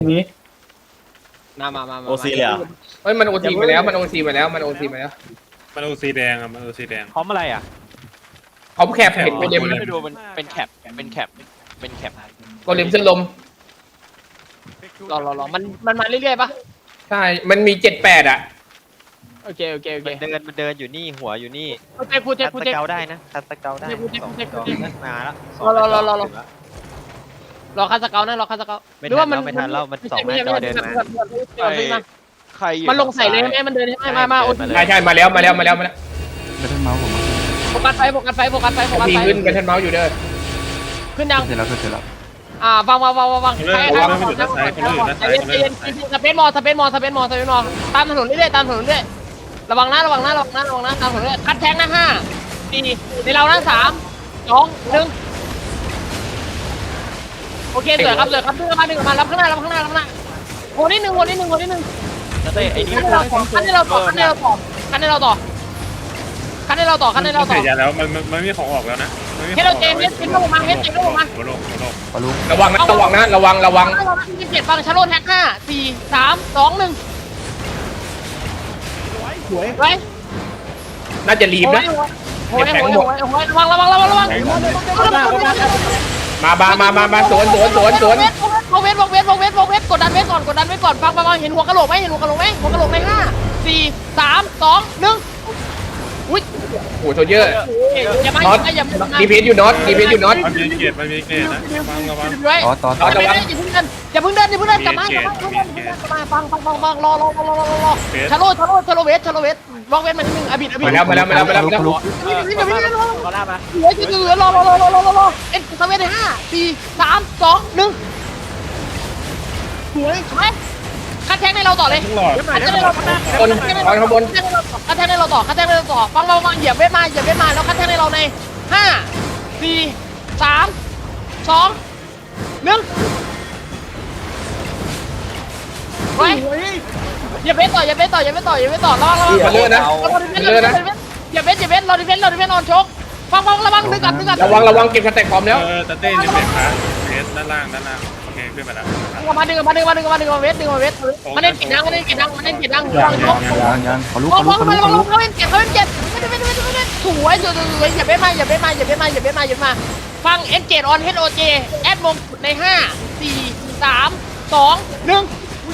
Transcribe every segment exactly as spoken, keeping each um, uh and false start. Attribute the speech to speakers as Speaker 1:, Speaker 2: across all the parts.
Speaker 1: นี้
Speaker 2: มามามา
Speaker 3: โอซีเลยอ่ะ
Speaker 4: เฮ้ยมันโอซีไปแล้วมันโอซีไปแล้วมันโอซีไปแล้ว
Speaker 5: มันโอซีแดงอ่ะมันโอซีแดง
Speaker 1: พร้อมอะไรอ่ะ
Speaker 4: เขาแคบเห็นโกเลม
Speaker 2: ไม่ดูมันเป็นแคปเป็นแคปเป็นแคป
Speaker 4: โกเลมเส้นลม
Speaker 2: รอรอรอมันมันมาเรื่อยๆปะ
Speaker 4: ใช่มันมีเจ็ดแปดอ่ะ
Speaker 2: โอเคโอเคโอเค
Speaker 3: มันเดินมันเดินอยู่นี่หัวอยู่นี่
Speaker 2: โอเคพูดเจ๊
Speaker 3: คัด
Speaker 2: พูด
Speaker 3: ส
Speaker 2: เจ๊
Speaker 3: เกลได้นะคัดสเกลได้
Speaker 2: พูดเจ๊
Speaker 3: สอง
Speaker 2: พูดเจ๊
Speaker 3: สอง
Speaker 2: พูดเจ๊
Speaker 3: มาแล้ว
Speaker 2: รอรอรอรอ รอคาสเกลนะรอคาสเกล
Speaker 3: ไม่ทันแล้วไม่ทันแล้วมันสองหน้าจอเดินมา
Speaker 2: ใครมันลงใส่เลยใช่ไหมมันเดินใช่ไหมมามาโอ
Speaker 4: ใช่ใช่มาแล้วมาแล้วมาแล้วมาแล้ว
Speaker 6: ไม่ได้เมาส์ผม
Speaker 2: โฟกัสไฟโฟกัสไฟโฟกัสไฟโฟกัส
Speaker 4: ที
Speaker 2: ไฟ
Speaker 4: ขึ้นกันทันเมาส์อยู่เด้อ
Speaker 2: ขึ้นยัง
Speaker 6: เสร็จแล้วเสร็จแล้ว
Speaker 2: อ่าฟังฟังฟังฟัง
Speaker 5: เริ่ม
Speaker 2: ใคร
Speaker 5: เริ่มไม่หยุดนะซ้ายคนอื่นนะซ้ายคนอื่นซ้าย
Speaker 2: สเปซมอสเปซมอสเปซมอสเปซมอตามถนนเรื่อยๆตามถนนเรื่อยระวังนะระวังนะระวังนะระวังนะตามถนนเรื่อยคัดแทงนะห้าสี่ในเรานะสามสองหนึ่งโอเคสวยครับสวยครับดึงมาดึงมารับข้างหน้ารับข้างหน้ารับข้างหน้าโหนิดนึงโหนิดนึงโหนิดนึง
Speaker 3: เต้ไอ้นี่
Speaker 2: คันให้เราต่อคันให้เราต่อคันให้เราต่อคันให้เราต่อคันให้เราต่อคันให้เราต่อ
Speaker 5: เสียยาแล้วมันมันไม่มีของออกแล้วนะ
Speaker 2: เฮดเจนเฮดเจนลงมาเฮดเจนลงมา
Speaker 5: หัวโลกหัวโลก
Speaker 6: ปลุก
Speaker 4: ระวังนะระวังนะระวังระวัง
Speaker 2: ยี่สิบเจ็ดฟังชาโลแท็กห้าสี่สามสองหนึ่งสวยไว้
Speaker 4: น่าจะรีบนะ
Speaker 2: โอ้ยโอ้ยโอ้ยโอ้ยระวังระวังระวังระวัง
Speaker 4: มามามามามาสวนสวนสวนสวน
Speaker 2: วงเวทวงเวทวงเวทวงเวทกดดันเวทก่อนกดดันเวทก่อนฟังฟังเห็นหัวกะโหลกไหมเห็นหัวกะโหลกไหมหัวกะโหลกในห้าสี่สามสองหนึ่งอุ้ย
Speaker 4: โอ้โหโซเยอร์
Speaker 2: อย่ามา
Speaker 4: น็อต
Speaker 2: อย่ามา
Speaker 4: ดีเพสอยู่น็อตดีเพสอยู่น็อต
Speaker 5: มันมีเกียรติมันมีเกียรตินะฟังระวัง
Speaker 2: ด้วย
Speaker 6: ต่อต่อต่อ
Speaker 2: อย่าเพิ่งเดินอย่าเพิ่งเดินอย่าเพิ่งเดินกลับมากลับมาฟังฟังฟังฟังรอรอรอรอรอรอชาโลชาโลชาโลเวทชาโลเวทวงเวทมาทีนึงอบิดอบิด
Speaker 4: มาแล้วมาแล้วมาแล้วมาแล้วมาแล้ว
Speaker 2: นี่นี่นี่รอรอมาเหลือเหลือรอรอรอรอรอรอรอเอ็นสเวทในห้าสี่สามสองหนึ่งสวยสวยคัดแทงในเราต่อเลย
Speaker 5: หลอด
Speaker 2: คัดแทงในเราต่อ
Speaker 4: คนคอนข้างบน
Speaker 2: คัดแทงในเราต่อคัดแทงในเราต่อฟังฟังฟังเหยียบเวทมาเหยียบเวทมาแล้วคัดแทงในเราในห้าสี่สามสองหนึ่งไปอย่าเวทต่ออย่าเวทต่ออย่าเวทต่ออย่าเวทต่อระวังระวัง
Speaker 4: มาเลยนะมาเลยนะ
Speaker 2: อย่าเวทอย่าเวทรอดิเฟนรอดิเฟนนอนชกฟังฟังระวังดึงกลับดึงกลับ
Speaker 4: ระวังระวังเก็บสแต็กพร้อมแล้ว
Speaker 5: เออตะเต้นี่เป็นขาเพสด้านล่างด้านล่างโอเคขึ้นมาแล้ว
Speaker 2: ดึงมาดึงมาดึงมาดึงมาดึงมาเวทดึงมาเวทมันเล่นเกียร์ดังมันเล่นเกียร์ดังมันเล่นเกียร์ดังฟังชก
Speaker 6: ยังยังปลุก
Speaker 2: ฟั
Speaker 6: ป
Speaker 2: ง
Speaker 6: ลุ
Speaker 2: ฟั
Speaker 6: ก
Speaker 2: ง
Speaker 6: ปลุ
Speaker 2: มาก ระ
Speaker 6: ป
Speaker 2: วัง
Speaker 6: ลุก
Speaker 2: เขาเล่นเกียร์เขาเล่นเกียร์ไม่ได้ไม่ได้ไม่ได้ไม่ได้สวยสวยสวยอย่าเวทมาอย่าเวทมาอย่าเวทมาอย่าเวทมาอย่าเวทมาฟังเอ็นเกตออนเฮดโอเจแอดมงในห้าสี่สามสองหนึ่ง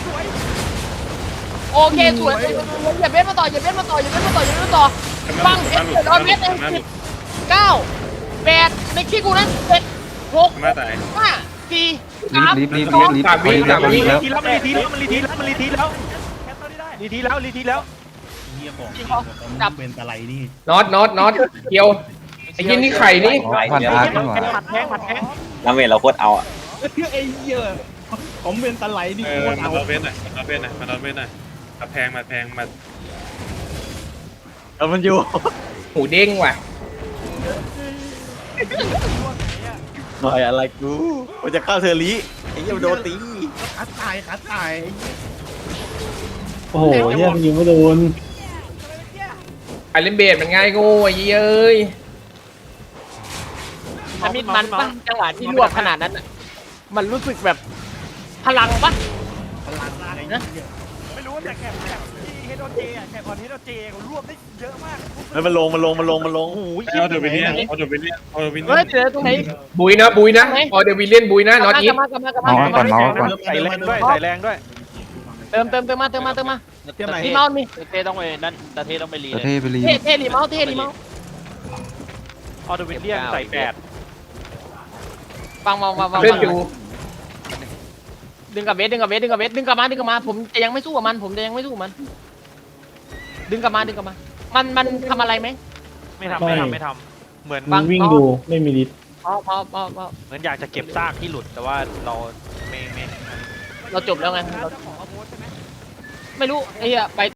Speaker 2: โอเคสวยอย่าเวทมาต่ออย่าเวทมาต่ออย่าเวทมาต่ออย่าเวทมาต่อฟังเอ็นเกตออนเฮดในสิบเก้าแปดในขี้กูนั้นเจ็ดหก
Speaker 5: มาตาย
Speaker 2: ห้าสี่
Speaker 6: รี
Speaker 2: สาม
Speaker 6: บรีบรีบรีบรีบรีบแล้วรีบแล้ว
Speaker 1: ทีแล้วมันรีทีแล้วมันรีทีแล้วมันรีทีแล้วรีทีแล้วรีทีแล้ว
Speaker 2: จับ
Speaker 1: เป็นอะไรนี่
Speaker 4: น็อตน็อตน็อตเกี่ยวไอ้ยี่นี่ไข่นี่
Speaker 6: ผ่านอาร์ตขึ้นมา
Speaker 1: หมัดแทงหมัดแทง
Speaker 3: น้ำเวทเราโคตรเอาอ่ะ
Speaker 1: ไอ้เหี้ยผมเป็นตะไลนี่
Speaker 5: เออ
Speaker 1: โคตร
Speaker 5: มา
Speaker 1: เอา
Speaker 5: นอนเวทหน่อยมานอนเวทหน่อยมานอนเวทหน่อยมาแพงมาแพงมา
Speaker 3: เออมันอยู่
Speaker 4: หูเด้งว่ะ
Speaker 3: หน่อยอะไรกูมันจะเข้าเทอร์ลีไอ้เหี้ยโดนตี
Speaker 1: ขาตายขาตาย
Speaker 7: โอ้โหเฮียมันยิงไม่โดน
Speaker 4: ไอเลนเบดมันง่ายโง่ไอ้ยี่เอ้ย
Speaker 2: มันมิดมันปะจังหวะที่รวบขนาดนั้นอ่ะมันรู้สึกแบบพลังปะ
Speaker 1: ไม่รู้แต่แคบแคบที่เฮดโอเจอ่ะแคบออนเฮดโอเจเขารวบได้เยอะมาก
Speaker 3: เฮ้ยมันลงมันลงมันลงมันลง
Speaker 1: โอ้ย
Speaker 5: เอาเดวิลเลียนเอาเดวิลเลียนเอาเดวิลเลี
Speaker 2: เฮ้
Speaker 5: ย
Speaker 2: ย
Speaker 5: น
Speaker 2: เจอตรงไหน
Speaker 4: บุยนะบุยนะออเดวิลเลียนบุยนะน็อตอี
Speaker 2: ก
Speaker 4: ฟ
Speaker 2: ลับมากลับมากลับมา
Speaker 6: เมาส์ก่อนเมาส์ก่อน
Speaker 1: ใส่แรงด้วยใส่แรงด้วย
Speaker 2: เติมเติมเติมมาเติมมาเติมมา
Speaker 1: เทียมไหน
Speaker 2: รีเมาส์มี
Speaker 8: เต้ต้องไปนั่นตาเต้ต้องไปรี
Speaker 6: แต่
Speaker 8: เลย
Speaker 6: เท่ไปรี
Speaker 2: เท่เท่รีเมาส์เท่รีเมาส์
Speaker 1: ออเดวิลเลียนใส่แปด
Speaker 2: ฟังฟังฟังฟัง
Speaker 4: เล่นอยู่
Speaker 2: ดึงกับเวทดึงกับเวทดึงกับเวทดึงกลับมาดึงกลับมาผมจะยังไม่สู้กับมัน ผมจะยังไม่สู้กับมัน ดึงกลับมาดึงกลับมา มันมันทำอะไรไหม
Speaker 1: ไม่ทำไม่ทำไม่ทำเหมือน
Speaker 7: มันวิ่งดูไม่มีฤทธิ์
Speaker 2: พอพอพอพอ
Speaker 1: เหมือนอยากจะเก็บซากที่หลุดแต่ว่าเราไม่ไม่
Speaker 2: เราจบแล้วไงเราไม่รู้ไอ้เหี้ยไป